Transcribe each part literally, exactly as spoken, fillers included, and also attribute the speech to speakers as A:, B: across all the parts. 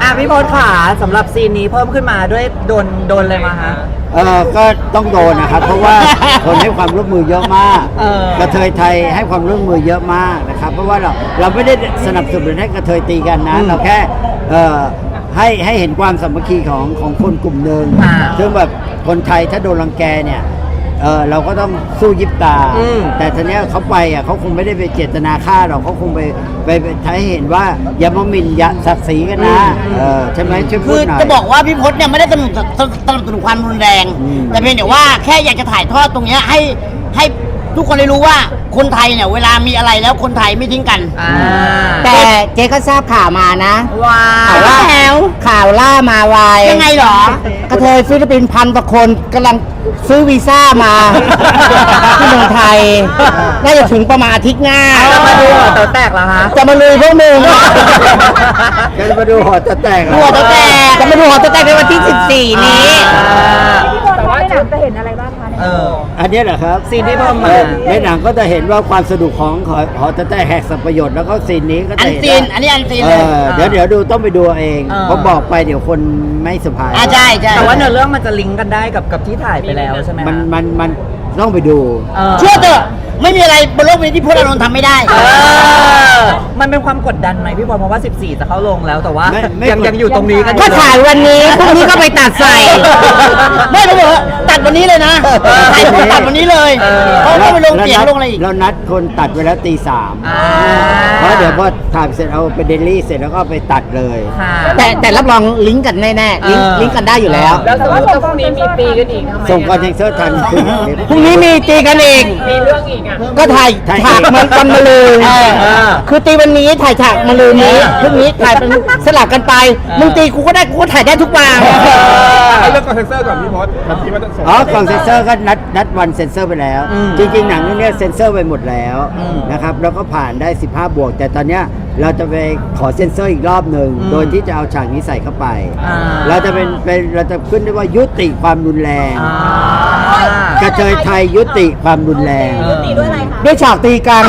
A: ะพี่พศขาสำหรับซีนนี้เพิ่มขึ้นมาด้วยโดนโดนอะไรมาฮะ
B: เออก็ต้องโดนนะครับเพราะว่าคนให้ความร่วมมือเยอะมากกระเทยไทยให้ความร่วมมือเยอะมากนะครับเพราะว่าเราเราไม่ได้สนับสนุนให้กระเทยตีกันนะเราแค่เอ่อให้ให้เห็นความสามัคคีของของคนกลุ่มหนึ่งซึ่งแบบคนไทยถ้าโดนรังแกเนี่ยเออเราก็ต้องสู้ยิบตาแต่ทีเนี้ยเขาไปอ่ะเขาคงไม่ได้ไปเจตนาฆ่าหรอกเขาคงไปไปใช้เห็นว่าอย่ามาหมิ่นอย่าศักดิ์ศรีกันนะเออใช่ไหมช่วยพูดหน่อย
C: คือจะบอกว่าพี่พจน์เนี่ยไม่ได้สนับสนับสนุนความรุนแรงแต่เพียงแต่ว่าแค่อยากจะถ่ายทอดตรงเนี้ยให้ให้ทุกคนได้รู้ว่าคนไทยเนี่ยเวลามีอะไรแล้วคนไทยไม่ทิ้งกัน
D: แต่เจ๊ก็ทราบข่าวมานะ
A: ว้า
D: ข่าวว่าข่าวล่ามาวาย
C: ยังไงหร
D: อกระเทยฟิลิปปินส์พันกว่าคนกำลังซื้อวีซ่ามาที่เมืองไทยน่าจะถึงประมาณอาทิตย์หน้า
A: จะมาดูหัวเต๋อแตกเหรอฮะ
D: จะมาลุยพวกมึง
B: จะมาดูหัวเต๋อแตก
D: หัวเต๋อแตกจะมาดูหัวเต๋อแตกในวันที่สิบสี่นี้
E: แต่ว่าในหนังจะเห็นอะไรบ้างคะ
B: เอออันนี้เหรอครับ
A: ซีนที่เพิ่มมา
B: ในหนังก็จะเห็นว่าความสนุกของหอเต๋อแตกแหกสัมประโยชน์แล้วก็ซีนนี้ก็จะเห็น
C: อันซีนอันนี้อันซีนเลย
B: เดี๋ยวเดี๋ยวดูต้องไปดูเองเพราะบอกไปเดี๋ยวคนไม่สบาย
C: ใช่ใช่
A: แต่ว่าเนื้อเรื่องมันจะลิงก์กันได้กับกับที่ถ่ายไปแล้วใช่ไหม
B: มันมันมันต้องไปดู
C: เชื่อเถอะไม่มีอะไรบนโลกนี้ที่พจน์อานนท์ทำไม่ได้
A: มันเป็นความกดดันไหมพี่บอลเพราะว่าสิบสี่จะเข้าลงแล้วแต่ว่ายังยังอยู่ตรงนี้กัน
D: ก็ถ่ายวันนี้พรุ่งนี้ก็ไปตัดใส่
C: ไม่รู้เหรอตัดวันนี้เลยนะถ่ายตัดวันนี้เลยเขาไม่ไปลงเสียงลงอะไรอีก
B: เรานัดคนตัดไว้แล้วตีสามเพราะเดี๋ยวพอถ่ายเสร็จเอาไปเดลี่เสร็จแล้วก็ไปตัดเลย
D: แต่แต่รับรองลิงก์กันแน่ๆลิงก์ลิงก์กันได้อยู่แล้ว
E: แล้วสมมติว่าพรุ่งนี้มีตีกันอีกทำไม
B: ส่งคอนเทนเซอร์ทัน
D: พรุ่งนี้มีตีกันอีก
E: มีเรื่องอีกอ่ะ
D: ก็ถ่ายฉากมันกันมาเลยคือตีวันนี้ถ่ายฉากมาเลยนี้พรุ่งนี้ถ่ายเป็นสลับกันไปมึงตีกูก็ได้กูก็ถ่ายได้ทุกวัน
F: เอาเรื่องคอนเทนเซอร์ก่อนพี่พศที่ว่าจะส่ง
B: อ๋อคอนเซนเซอร์ก็นัดนัดวันเซ็นเซอร์ไปแล้วจริงๆหนังเรื่องนี้เซ็นเซอร์ไปหมดแล้วนะครับแล้วก็ผ่านได้สิบห้าบวกแต่ตอนเนี้ยเราจะไปขอเซ็นเซอร์อีกรอบหนึ่งโดยที่จะเอาฉากนี้ใส่เข้าไปเราจะเป็นเป็นเราจะขึ้นได้ว่ายุติความรุนแรงกระเทยไทยยุติความรุนแรง
E: ยุติด้วยอะไรคะ
D: ด้วยฉากตีกัน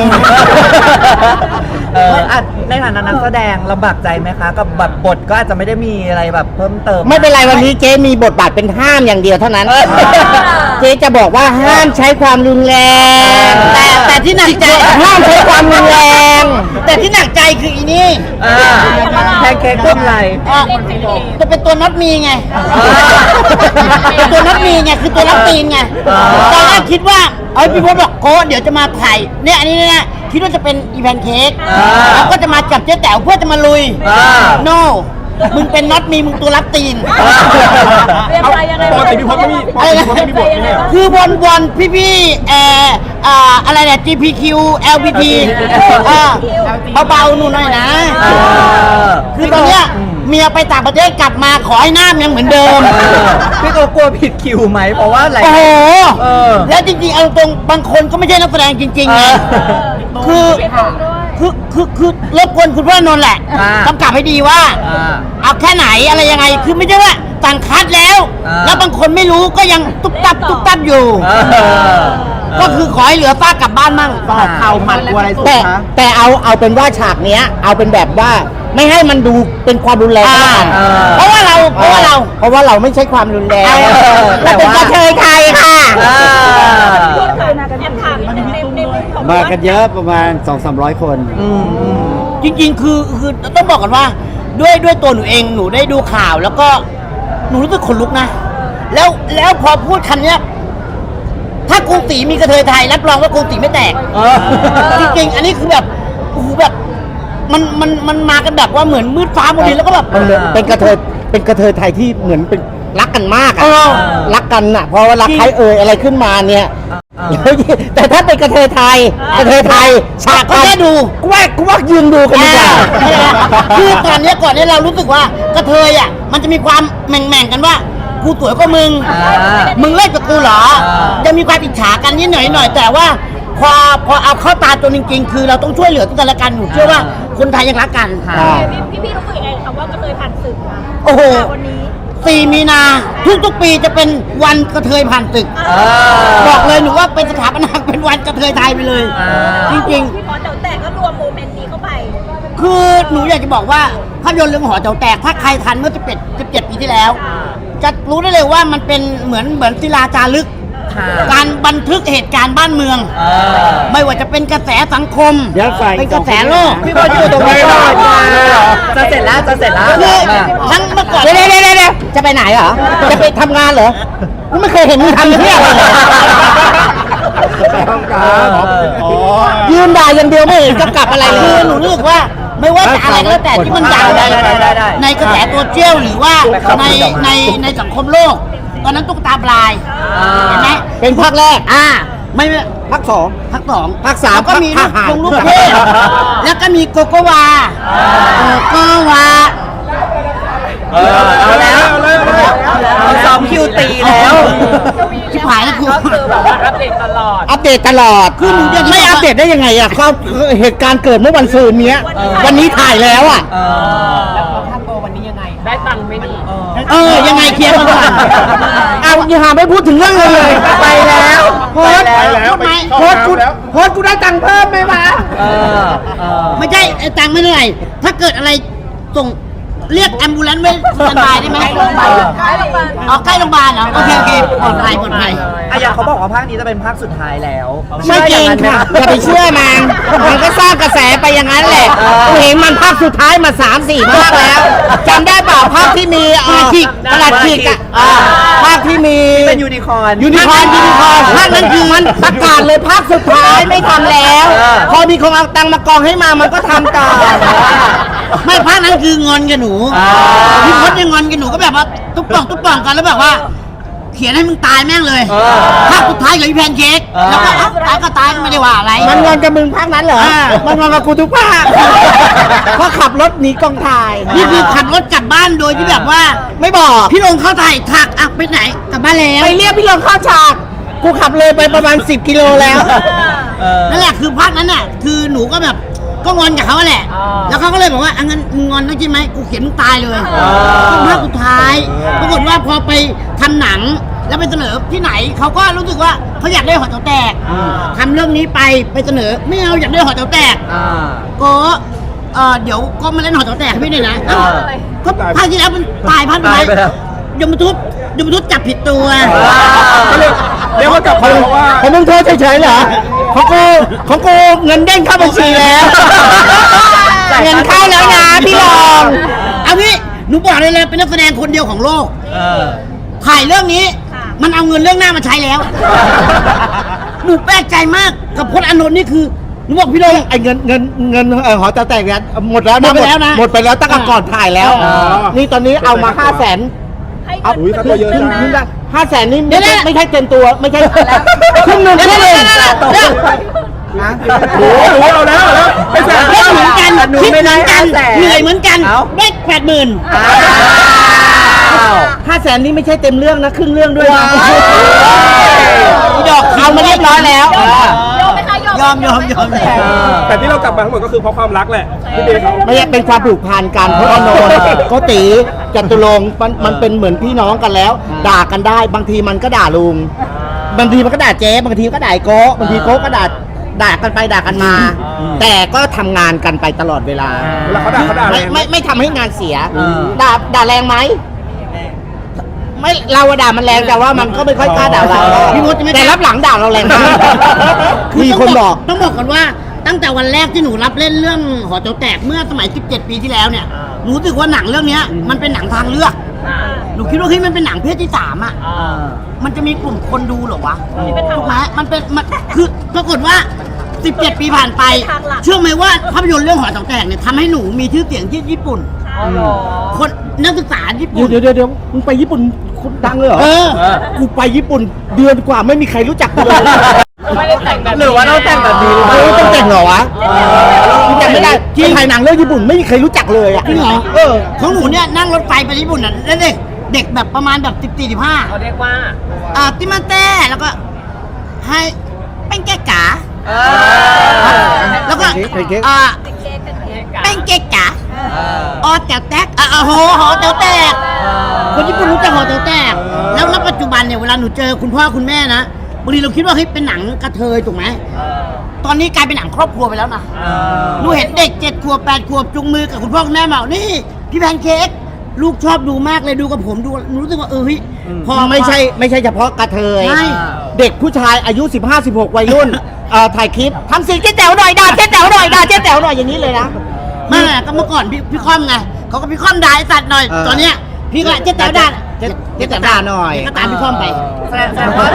A: ในฐานะนักแสดงลำบากใจไหมคะกับแบบบทก็อาจจะไม่ได้มีอะไรแบบเพิ่มเติม
D: ไม่เป็นไรวันนี้เจ๊มีบทบาทเป็นห้ามอย่างเดียวเท่านั้นเจ๊จะบอกว่าห้ามใช้ความรุนแรง
C: แต่แต่ที่หนักใจ
D: ห้ามใช้ความรุนแรง
C: แต่ที่หนักใจคืออีนี่
A: แพนเค้กต้นไร
C: จะเป็นตัวน็อตมีไงตัวน็อตมีไงคือตัวรับตีนไงตอนแรกคิดว่าเอ้ยพี่พจน์บอกโค้เดี๋ยวจะมาถ่ายเนี่ยอันนี้เนี่ยคิดว่าจะเป็นอีแพนเค้กแล้วก็จะมาจับเจ๊แต๋วเพื่อจะมาลุยโน่มึงเป็นน็อตมีมึงตัวรับตีน
E: เอา
F: ปกติพี่พจน์ไม่มีปกติพี่พจน์ไม่มีบทนี่
C: คือบอลบอลพี่พี่เอ่ออ่าอะไรเนี่ย จี พี คิว แอล บี ที เบาๆหนูหน่อยนะคือตอนเนี้ยเมียไปต่างประเทศกลับมาขอให้หน้ายังเหมือนเดิม
A: พี่ตัวกลัวผิดคิวไหมเพราะว่าอะไร
C: โอ้โหแล้วจริงๆเอาตรงบางคนก็ไม่ใช่นักแสดงจริงๆไงคือคือคือคือรบกวนคุณพ่อนนท์แหละกำกับให้ดีว่าเอาแค่ไหนอะไรยังไงคือไม่ใช่ว่าสั่งคัดแล้วแล้วบางคนไม่รู้ก็ยังตุ๊บตับตุ๊บตับอยู่ก็คือขอให้เหลือป้ากลับบ้านมั่ง
A: ต่อเข่ามันกลัวอะไรสุด
D: แต่
A: คะ
D: แต่เอาเอาเป็นว่าฉากเนี้ยเอาเป็นแบบว่าไม่ให้มันดูเป็นความรุนแรง
C: เพราะว่าเราเพราะว่าเรา
D: เพราะว่าเราไม่ใช่ความรุนแรงเราเป็นกระเทยไทยค่ะ
B: มากันเยอะประมาณ สองถึงสามร้อย คน
C: จริงๆคือคือต้องบอกกันว่าด้วยด้วยตัวหนูเองหนูได้ดูข่าวแล้วก็หนูรู้สึกขนลุกนะแล้วแล้วพอพูดคำเนี้ยถ้ากรุงศรีมีกระเทยไทยรับรองว่ากรุงศรีไม่แตกจริงๆอันนี้คือแบบโอ้โหแบบมันมันมันมากันแบบว่าเหมือนมืดฟ้ามืดดินแล้วก็แบบ
D: เป็นกระเทยเป็นกระเทยไทยที่เหมือนเป็นรักกันมากอ่ะรักกันอ่ะเพราะว่ารักใครเอ่ยอะไรขึ้นมาเนี่ยแต่ถ้าเป็นกระเทยไทยกระเทยไทยฉากก็ได้ดูกูว่ากูว่ายืนดูกันดีกว่า
C: คือก่อนเนี้ยก่อนเนี้ยเรารู้สึกว่ากระเทยอ่ะมันจะมีความแม่งๆกันว่ากูสวยกว่ามึงมึงเล่นกับกูเหรอจะมีความอิจฉากันนิดหน่อยหน่อยแต่ว่าพอพอเอาเข้าตาตัวจริงๆคือเราต้องช่วยเหลือกันและกันหนูเชื่อว่าคนไทยยังรักกัน
E: พี่พี่รู้สึกยังไงคำว่ากระเทยผ่านศึกคะ
C: โอ้โห
E: วันนี้
C: สี่มีนาทุกๆปีจะเป็นวันกระเทยผ่านศึกบอกเลยหนูว่าเป็นสถาปนาเป็นวันกระเทยไทยไปเลยจริงๆ
E: พี่พอเดี๋ยวแต่ก็รวมโมเมนต์นี้เข้าไป
C: คือหนูอยากจะบอกว่าภาพยนตร์เรื่องหอแถวแตกถ้าใครทันเมื่อสิบเอ็ด สิบเจ็ดปีที่แล้ว จะรู้ได้เลยว่ามันเป็นเหมือนเหมือนศิลาจารึก
A: ค่ะ
C: การบันทึกเหตุการณ์บ้านเมือง
A: เออ
C: ไม่ว่าจะเป็นกระแสสังคม
B: เดี๋ยวฝ่าย
C: เป็นกระแสโลก
A: พี่บอลอยู่ตรงนี้ก่อนจะเสร็จแล้วจะเสร็จแล้ว
C: คือ
A: มา
C: ทั้งเมื่อก่อน
D: เดี๋ยวเดี๋ยวเดี๋ยวเดี๋ยวจะไปไหนเหรอ จะไปทำงานเหรอกูไม่เคยเห็นมึงทำเที่ยอะไรเลย
B: ไปห้องน้ำอ๋อ
D: ยืนด่าอย่างเดียวไม่เห็นกำกับอะไรเล
C: คือย หนูรู้สึกว่าไม่ว่าจะอะไรก็แล้วแต่ที่มันดังใน
A: ได้ได้ได้ได้
C: ในกระแสโซเชียลหรือว่าในในในสังคมโลก ตอนนั้นตุ๊กตาปลายเห็นไหม
D: เป็นภาคแรก
C: อ่าไม่ไม่
D: ภาคสอง
C: ภาคสอง
D: ภาคสาม
C: แล้วก็มี
D: ภาคห้า
C: ลงลูกเทพแล้วก็มีโกโกวาโกโกวา
A: เออเอาแล้วเอาซ้อมคิวตีแล้ว
C: ชิบหายแล้วกู
E: ก็คือแบบว่าอัปเดตตลอด
D: อัปเดตตลอด
C: คือหนูยัง
D: ไม่อัปเดตได้ยังไงอ่ะเขาเหตุการณ์เกิดเมื่อวันซืนเนี้ย วันนี้ถ่ายแล้วอ่ะ
A: เออ
E: ได้ตังค์ไหมนี่
C: เออยังไงเคลียร์มาก่อน
D: เอาอย่าหาไม่พูดถึงเรื่องเลยเลย
A: ไปแล้วโพสต์
F: ไปแล้ว
C: พูดไหม
F: ไป
D: โพสต์กู
F: เข้าน้ำแล้ว
D: โพสต์กูได้ตังค์เพิ่มไหมวะ
A: เออเออ
C: ไม่ใช่ไอ้ตังค์ไม่เท่าไหร่ถ้าเกิดอะไรส่งเรียกแอมบูเลนซ์ไว้สแตนบายได้ไหม
E: ใกล้โรงพยาบาลใกล้โรงพยาบาล
C: อ๋อใกล้โรงพยาบาลเหรอโอเคโอเคปลอดภัยปลอดภัย
A: อะอย่างเขาบอกว่าภาคนี้จะเป็นภาคสุดท้ายแล้ว
D: ไม่จริงค่ะอย่าไปเชื่อมันมันก็สร้างกระแสไปอย่างนั้นแหละกูเห็นมันภาคสุดท้ายมาสามสี่ภาคแล้วจำได้เปล่าภาคที่มีเอ่อประหลัดขิกอ่ะอ่าภาคที่มี
A: เป็นยูนิคอร์น
D: ยูนิคอร์นยูนิคอร์นภาคนั้นคือมันประกาศเลยภาคสุดท้ายไม่ทำแล้ว
A: เออ
D: พอมีคนเอาตังค์มากองให้มามันก็ทำต่อ
C: ไม่ภาคนั้นคืองอนกับหนู
A: อ่า
C: พี่พจน์ยังงอนกับหนูก็แบบว่าตุ๊บป่องตุ๊บป่องกันแล้วแบบว่า เขียนให้มึงตายแม่งเลย
A: เออ
C: ภาคสุดท้ายกับพี่แพนเค้ก
A: เออ
C: แล้วก็เอ้าตายก็ตายก็ไม่ได้ว่าอะไร
D: มันงอนกับมึงภาคนั้นเหรอ
C: อ่า
D: มันงอนกับกูทุกภาคเพราะขับรถหนีกองถ่าย
C: นี่คือขับรถกลับบ้านโดยที่แบบว่า
D: ไม่บอก
C: พี่ลงเข้าถ่ายถักอ่ะไปไหนกลับบ้านแล้ว
D: ไปเรียกพี่ลงเข้าฉาก กูขับเลยไปประมาณสิบกิโลแล้ว
A: เออ
C: นั่นแหละคือภาคนั้นน่ะคือหนูก็แบบก็งอนกับเขาแหละ แล้วเขาก็เลยบอกว่าอังั้นมึงงอนนะใช่ไหมกูเขียนมึงตายเลยก็ภาคสุดท้ายปรากฏว่าพอไปทำหนังแล้วไปเสนอที่ไหนเขาก็รู้สึกว่าเขาอยากได้หอแถวแตกทำเรื่องนี้ไปไปเสนอไม่เอาอยากได้หอแถวแตก
A: อ่า
C: ก็เออเดี๋ยวก็มาเล่นหอแถวแตกให้พี่หน่อยนะ
A: เออ
C: ก็ภาคที่แล้วมันตายภาค
A: ตายไปแล้ว
C: ยมทุบยมทุบจับผิดตัว
F: เรียกว่ากลับมาเพราะว่า
D: ผมมึงโทษเฉยๆเหรอของกูของกูเงินเด้งเข้าบัญชีแล้ว เงินเข้าแล้วนะพี่รอง
C: เอางี้หนูบอกเลยเลยเป็นนักแสดงคนเดียวของโลก
A: เออ
C: ถ่ายเรื่องนี้ มันเอาเงินเรื่องหน้ามาใช้แล้ว หนูแปลกใจมากกับพจน์อานนท์นี่คือหนูบอกพี่ลง
D: ไอ้เงินเงินเงินเออหอจะแตกเนี่ยหมดแล้ว
C: หมดไปแล้วนะ
D: หมดไปแล้วตั้งแต่ก่อนถ่ายแล้ว
F: อ๋อ
D: นี่ตอนนี้เอามาห้าแสน
E: ให้
D: เอา
F: อุ๊ยค่าตัวเยอะนะ
D: ห้าแสนนี่ไม่ใช่ไม่ใช่เต็มตัวไม่ใช่ครึ่งหนึ่ง
C: เดี๋ยว
D: แค่
C: เดี๋ยว
D: เอง
C: เดี๋ยวเดี๋ยวเดี๋ยว
F: โอ้โหเอาแล้วเอาแล้วไปแสน
C: เล่นเหมือนกัน
A: หนู
C: คิด
A: ไม่
C: เห
A: ได้
C: มือนกัน
A: ห้าแสน
C: เหนื่อยเหมือนกัน
A: เอ้า
C: ได้แปดหมื่น
A: อ้าว
D: ห้าแสนนี่ไม่ใช่เต็มเรื่องนะครึ่งเรื่องด้วยนะ
C: อีดอก
D: เอามาเรียบร้อยแล้ว
E: ยอมไหมคะยอม
C: ยอมยอมยอม
A: เออ
F: แต่ที่เรากลับมาทั้งหมดก็คือเพราะความรักแหละพี่เบย์เขา
D: ไม่ใช่เป็นความผูกพันกันเพราะอานนท์โกติจตุรงค์มันมันเป็นเหมือนพี่น้องกันแล้ว ด่ากันได้บางทีมันก็ด่าลุง บางทีมันก็ด่าเจ๊บางทีก็ด่าไอ้โก้บางทีโก้ก็ด่าด่ากันไปด่ากันมา แต่ก็ทำงานกันไปตลอดเวลา
F: เวลาเขาด่าเขาด่าแร
D: ไม่
F: งไหม
D: ไม่ไม่ทำให้งานเสีย
A: อืม
D: ด่าด่าแรงไหมไม่เราอะด่ามันแรงแต่ว่ามันก็ไม่ค่อยกล้าด่าเรา
C: พี่มดจะไม่
D: แต่รับหลังด่าเราแรงมาก มีคนบอก
C: ต้องบอกกันว่าตั้งแต่วันแรกที่หนูรับเล่นเรื่องหอแถวแตกเมื่อสมัยสิบเจ็ดปีที่แล้วเนี่ยหนูรู้สึกว่าหนังเรื่องเนี้ยมันเป็นหนังทางเลือกหนูคิดว่าเฮ้ยมันเป็นหนังเพศที่สามอ่ะ
A: อ่า
C: มันจะมีกลุ่มคนดูเหรอวะถูกไหมมันเป็นมันคือปรากฏว่าสิบเจ็ดปีผ่านไป เชื่อไหมว่าภาพยนตร์เรื่องหอแถวแตกเนี่ยทำให้หนูมีชื่อเสียงที่ญี่ปุ่น
E: เอาเหรอ
C: คนนักศึกษาญี่
D: เดี๋ย
C: ปุ่
D: วน เดี๋ยวเดี๋ยวเดี๋ยวมึงไปญี่ปุ่นคุณดังเลยเหรอ
C: เออ
D: กูไปญี่ปุ่นเดือนกว่าไม่มีใครรู้จักกูเลย
E: ไม่ได้แต่งแบบ
A: หรือว่าเราแต่งแบบนี้หรือเป
D: เอ
A: ล่า
D: อต้องแต่งเหรอวะกูจำไม่ได้ที่ถ่ายหนังเรื่องญี่ปุ่นไม่มีใครรู้จักเลยอ่ะ
C: จริงเหรอ
D: เออ
C: ของหนูเนี่ยนั่งรถไฟไปญี่ปุ่นน่ะแล้วเด็กเด็กแบบประมาณแบบสิบสี่สิบห้า
E: เขาเรียกว่า
C: อ่าติมาเต้แล้วก็ให้เป็นแก้กา
A: เออ
C: แล้วก็
D: เป็นเก๊ก
C: อ่า
E: เป็นเค้กเป็นเค้ก
C: เป็นแก้กา
A: เออ
C: ออแต๋วแตกอ่ะโอ้โหหอแต๋วแตกคนญี่ปุ่นรู้จักหอแต๋วแตกแล้วณปัจจุบันเนี่ยเวลาหนูเจอคุณพ่อคุณแม่นะบางทีเราคิดว่าเฮ้ยเป็นหนังกระเทยถูกไหมตอนนี้กลายเป็นหนังครอบครัวไปแล้วนะ
A: เออ
C: หนูเห็นเด็กเจ็ดขวบแปดขวบจุงมือกับคุณพ่อคุณแม่มานี่พี่แพนเค้กลูกชอบดูมากเลยดูกับผมดูหนูรู้สึกว่าเออเฮ้ยพอ
D: ไม่ใช่ไม่ใช่เฉพาะกระเทย
C: ใช่
D: เด็กผู้ชายอายุ สิบห้า สิบหก วัยรุ่นเอ่อถ่ายคลิปทำเสียงเจ๊แต๋วหน่อยด่าเจ๊แต๋วหน่อยด่าเจ๊แต๋วหน่อยอย่างนี้เลยนะ
C: ไมาก็เมื่อก่อนพี่พี่ค่อมไงเขาก็พี่ค่อมด่าไอ้สัตว์หน่อย
D: เออ
C: ตอนเนี้ยพี่ก็เจ๊แต๋วด่า
D: เจ๊เจ๊แต๋วด่าหน่อย
C: ก็ตามพี่ค่อมไป
A: แสดงแสดงว่า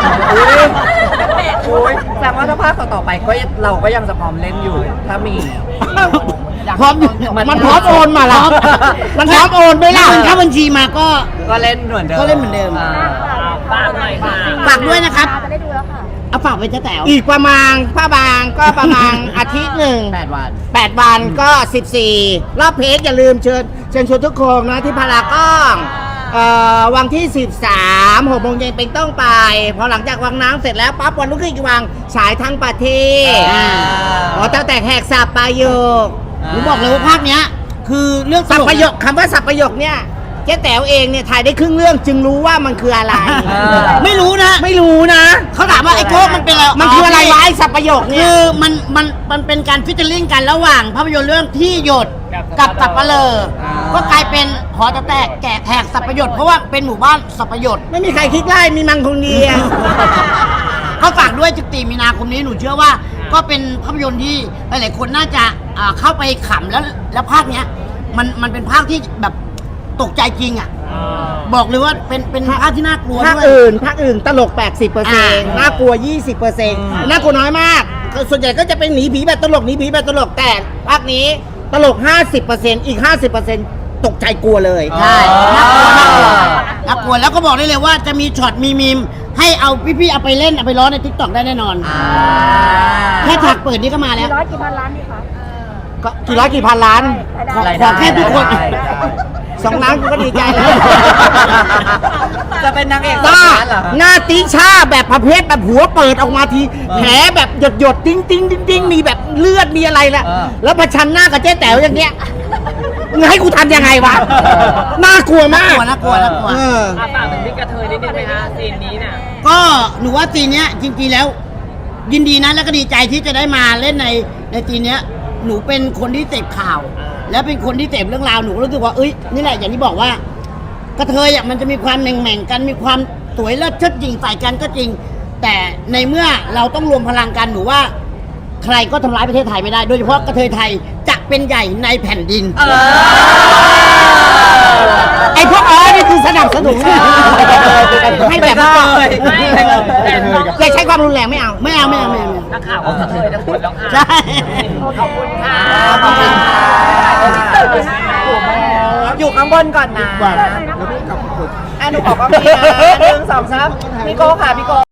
A: อุ้ยแสดงว่าถ้าภาคต่อๆไปก็เราก็ยังจะพร้อมเล่นอยู่ ถ้ามี
C: พร้อมอยู่
D: มันพร้อมโอนมาละมันพร้อมโอนไหมล่ะ
C: ถ้ามันเข้าบัญชีมาก็
A: ก็เล่นเหมือนเดิม
C: ก็เล่นเหมือนเดิม
A: า
E: ฝากหน่อยค่ะ
C: ฝากด้วยนะครับ
E: จะได้ดูแล้วค่ะ
C: เอาฝากไปเจ๊แต๋ว
D: อีกประมาณผ้าบางก็ประมาณ อาทิตย์หนึ่ง
A: แปดวัน
D: แปดวันก็สิบสี่รอบเพจอย่าลืมเชิญเชิญชวนทุกคนนะที่พารากอนเอ่อวันที่สิบสามหกโมงเย็นเป็นต้องไป พอหลังจากวังน้ำเสร็จแล้วปั๊บวันรุ่งขึ้นอีกวันฉายทั้งประเทศ
C: อ่า
D: อ๋อตั้งแต่แหกสับประโยค
C: หนูบอกเลยว่าภาคเนี้ย คือเรื่องต
D: สับ
C: ลก
D: ประโยคคำว่าสับประโยคเนี่ยเจ๊แต๋วเองเนี่ยถ่ายได้ครึ่งเรื่องจึงรู้ว่ามันคืออะไร
C: ไม่รู้นะ
D: ไม่รู้นะ
C: เขาถามว่าไอ้โก้มันเป็นอะไร
D: มันคืออะไรวะไอ้สับประโยคเนี่
C: คื
D: ย
C: อมันมันมันเป็นการฟิชเชอร์ลิงกันระหว่างภาพยนตร์เรื่องที่หยดกับสับปะเลอก็กลายเป็นหอจะแตกแกะแหกสับประโยชน์เพราะว่าเป็นหมู่บ้านสับประโยชน์
D: ไม่มีใครคิดไล่มีมังคงเดียว
C: ก็ฝากด้วยสิบสี่มีนาคมนี้หนูเชื่อว่า ก็เป็นภาพยนตร์ที่หลายๆคนน่าจะอ่าเข้าไปขำแล้วแล้วภาคเนี้ยมันมันเป็นภาคที่แบบตกใจจริงอ่ะบอกเลยว่าเป็นเป็นภาคที่น่ากลัว
D: ภาค
C: ด้วย
D: อื่นภาคอื่นตลก แปดสิบเปอร์เซ็นต์
C: อ่า
D: น่ากลัว ยี่สิบเปอร์เซ็นต์ น่ากลัวน้อยมาก ส่วนใหญ่ก็จะเป็นหนีผีแบบตลกหนีผีแบบตลกแต่ภาคนี้ตลก ห้าสิบเปอร์เซ็นต์ อีก ห้าสิบเปอร์เซ็นต์ ตกใจกลัวเลย
C: ใช่น่ากลัวน่ากลัวน่ากลัวแล้วก็บอกได้เลยว่าจะมีช็อตมีมีมให้เอาพี่ๆเอาไปเล่นเอาไปร้องในทิกตอกได้แน่นอนแค่ฉากเปิดนี่ก็มาแล้ว
E: ร้อยกี่พันล้านนี่คะ
D: ก็กี่ร้อยกี่พันล้าน
C: ขอ
A: ราย
C: ข
A: ได้
C: อแค่ทุกคน
A: รายได้
D: สองล้านกูก็ดีใจแล้ว
A: จะเป็นนางเอก
D: บ้า
A: สองล้นเหรอ
D: หน้าติชาแบบประเภทแบบหัวเปิดออกมาทีแผลแบบหยดหยดๆติ้งติ้งติ้งติ้งมีแบบเลือดมีอะไรละ
A: เออ
D: แล้วประชันหน้ากับเจ๊แต๋วอย่างเงี้ยมึงให้กูทำยังไงวะน่ากลัวมา
C: น่าก กลัวน่ากลัวน่ากลัว
D: เออ
E: อ่ะฝากถึงพี่กระเทยนิดนึงไหมคะซีนนี้น่ะ
C: ก็หนูว่าซีนเนี้ยจริงๆแล้ว ยินดีนะแล้วก็ดีใจที่จะได้มาเล่นในในซีนเนี้ย หนูเป็นคนที่เสพข่าว แล้วเป็นคนที่เสพเรื่องราวหนูก็รู้สึกว่าเอ้ยนี่แหละอย่างที่บอกว่า กระเทยอ่ะมันจะมีความแหม่งๆกันมีความสวยเลิศเชิดหญิงใส่กันก็จริง แต่ในเมื่อเราต้องรวมพลังกันหนูว่า ใครก็ทำร้ายประเทศไทยไม่ได้ โดยเฉพาะกระเทยไทยจะเป็นใหญ่ในแผ่นดิน
A: เออ
D: ไอ้พวกอ๋อนี่คือสนับสนุนให้แบบว่า
A: ไม่ไม่ไม่
D: อย่าใช้ความรุนแรงไม่เอา
C: ไม่เอาไม่เอาไม่เอาไม่เอา
E: นักข่าวก็กระเทยทั้งหมดแล้วค่ะ
C: ใช่
E: ขอบคุณค่ะ
A: ขอบคุณค่ะอยู่ข้างบนก่อนนะอ่ะหนูขอก็มีนะหนึ่งสองสามพี่โก้ค่ะพี่โก้